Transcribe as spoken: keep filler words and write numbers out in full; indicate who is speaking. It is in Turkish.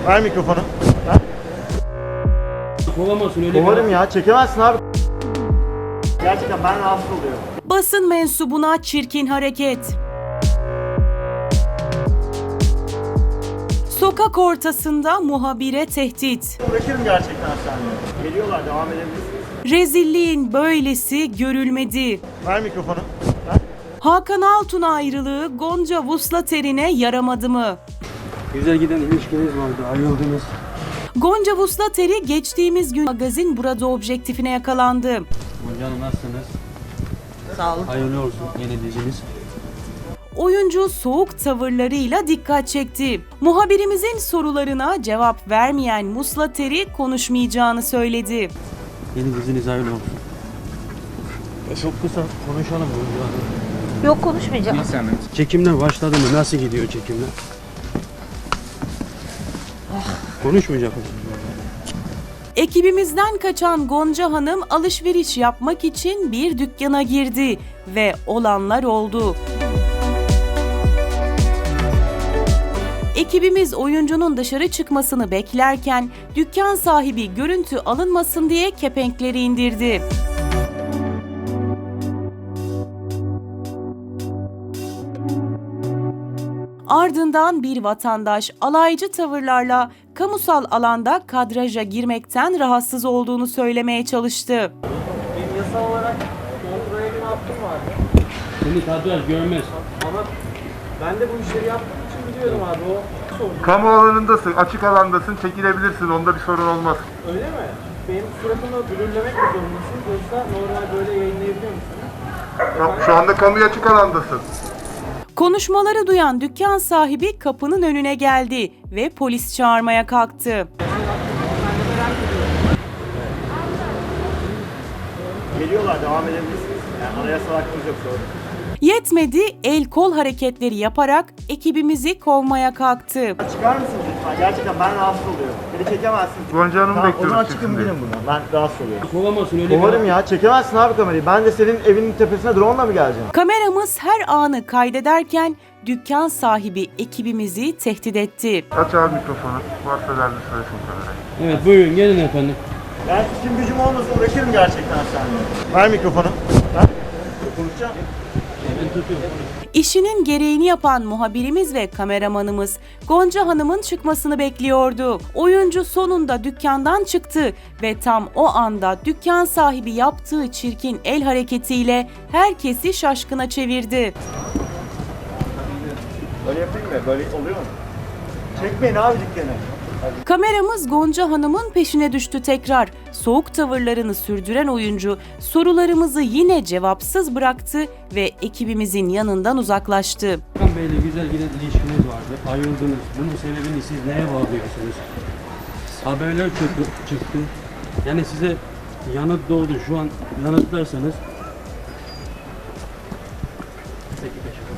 Speaker 1: Ver mikrofonu. Ver.
Speaker 2: Kovamasın öyle.
Speaker 1: Kovarım ya, çekemezsin abi. Gerçekten ben rahatsız oluyorum.
Speaker 3: Basın mensubuna çirkin hareket. Sokak ortasında muhabire tehdit.
Speaker 1: Bırakırım gerçekten hastaneye. Geliyorlar, devam edebilirsiniz.
Speaker 3: Rezilliğin böylesi görülmedi.
Speaker 1: Ver mikrofonu. Ver.
Speaker 3: Hakan Altun ayrılığı Gonca Vuslater'ine yaramadı mı?
Speaker 2: Güzel giden ilişkiniz vardı, ayrıldınız.
Speaker 3: Gonca Vuslater'i geçtiğimiz gün magazin Burada objektifine yakalandı.
Speaker 2: Gonca Hanım nasılsınız?
Speaker 3: Sağ olun.
Speaker 2: Hayırlı olsun yeni diziniz.
Speaker 3: Oyuncu soğuk tavırlarıyla dikkat çekti. Muhabirimizin sorularına cevap vermeyen Vuslater'i konuşmayacağını söyledi.
Speaker 2: Yeni diziniz hayırlı olsun. Çok kısa konuşalım Gonca Hanım.
Speaker 4: Yok, konuşmayacağım.
Speaker 2: Çekimler başladı mı? Nasıl gidiyor çekimler? Konuşmayacak mısın?
Speaker 3: Ekibimizden kaçan Gonca Hanım alışveriş yapmak için bir dükkana girdi ve olanlar oldu. Ekibimiz oyuncunun dışarı çıkmasını beklerken dükkan sahibi görüntü alınmasın diye kepenkleri indirdi. Ardından bir vatandaş alaycı tavırlarla kamusal alanda kadraja girmekten rahatsız olduğunu söylemeye çalıştı.
Speaker 5: Benim yasal olarak kontrol edilme hakkım vardı.
Speaker 2: Seni kadraj görmez.
Speaker 5: Ama ben de bu işleri yaptığım için biliyorum abi, o sorun.
Speaker 6: Kamu alanındasın, açık alandasın, çekilebilirsin. Onda bir sorun olmaz.
Speaker 5: Öyle mi? Benim suratımı blurlemek mi zorundasın, yoksa normal böyle yayınlayabiliyor musun?
Speaker 6: Şu- Şu anda kamuya açık alandasın.
Speaker 3: Konuşmaları duyan dükkan sahibi kapının önüne geldi ve polis çağırmaya kalktı.
Speaker 1: Geliyorlar, devam edebilirsiniz. Yani anayasal hakkımız yok sorun.
Speaker 3: Yetmedi, el kol hareketleri yaparak ekibimizi kovmaya kalktı.
Speaker 1: Çıkar mısınız lütfen? Gerçekten ben rahatsız oluyorum. Beni çekemezsiniz.
Speaker 6: Gonca Hanım'ı
Speaker 1: Tamam, o
Speaker 6: bekliyoruz
Speaker 1: zaman
Speaker 6: çıksın
Speaker 1: çıkın
Speaker 6: diye.
Speaker 1: gidin buradan. Ben rahatsız oluyorum.
Speaker 2: Kovamasın öyle.
Speaker 1: Kovarım ya, çekemezsin abi kamerayı. Ben de senin evinin tepesine drone'la mı geleceğim?
Speaker 3: Kameramız her anı kaydederken dükkan sahibi ekibimizi tehdit etti.
Speaker 6: Aç abi mikrofonu. Varsa derdi söylesin kamerayı.
Speaker 2: Evet buyurun gelin efendim.
Speaker 1: Ben işim gücüm olmasa bırakırım gerçekten hastaneye. Ver mikrofonu. Ver. Konuşacağım.
Speaker 2: Ben tutuyorum.
Speaker 3: İşinin gereğini yapan muhabirimiz ve kameramanımız Gonca Hanım'ın çıkmasını bekliyordu. Oyuncu sonunda dükkandan çıktı ve tam o anda dükkan sahibi yaptığı çirkin el hareketiyle herkesi şaşkına çevirdi.
Speaker 1: Böyle yapayım mı? Böyle oluyor mu? Çekmeyin abi dükkanı.
Speaker 3: Kameramız Gonca Hanım'ın peşine düştü tekrar. Soğuk tavırlarını sürdüren oyuncu sorularımızı yine cevapsız bıraktı ve ekibimizin yanından uzaklaştı.
Speaker 2: Hakan Bey'le güzel giden ilişkiniz vardı, ayrıldınız. Bunun sebebini siz neye bağlıyorsunuz? Haberler çıktı, çıktı. Yani size yanıt doğdu. Şu an yanıtlarsanız. Peki teşekkür ederim.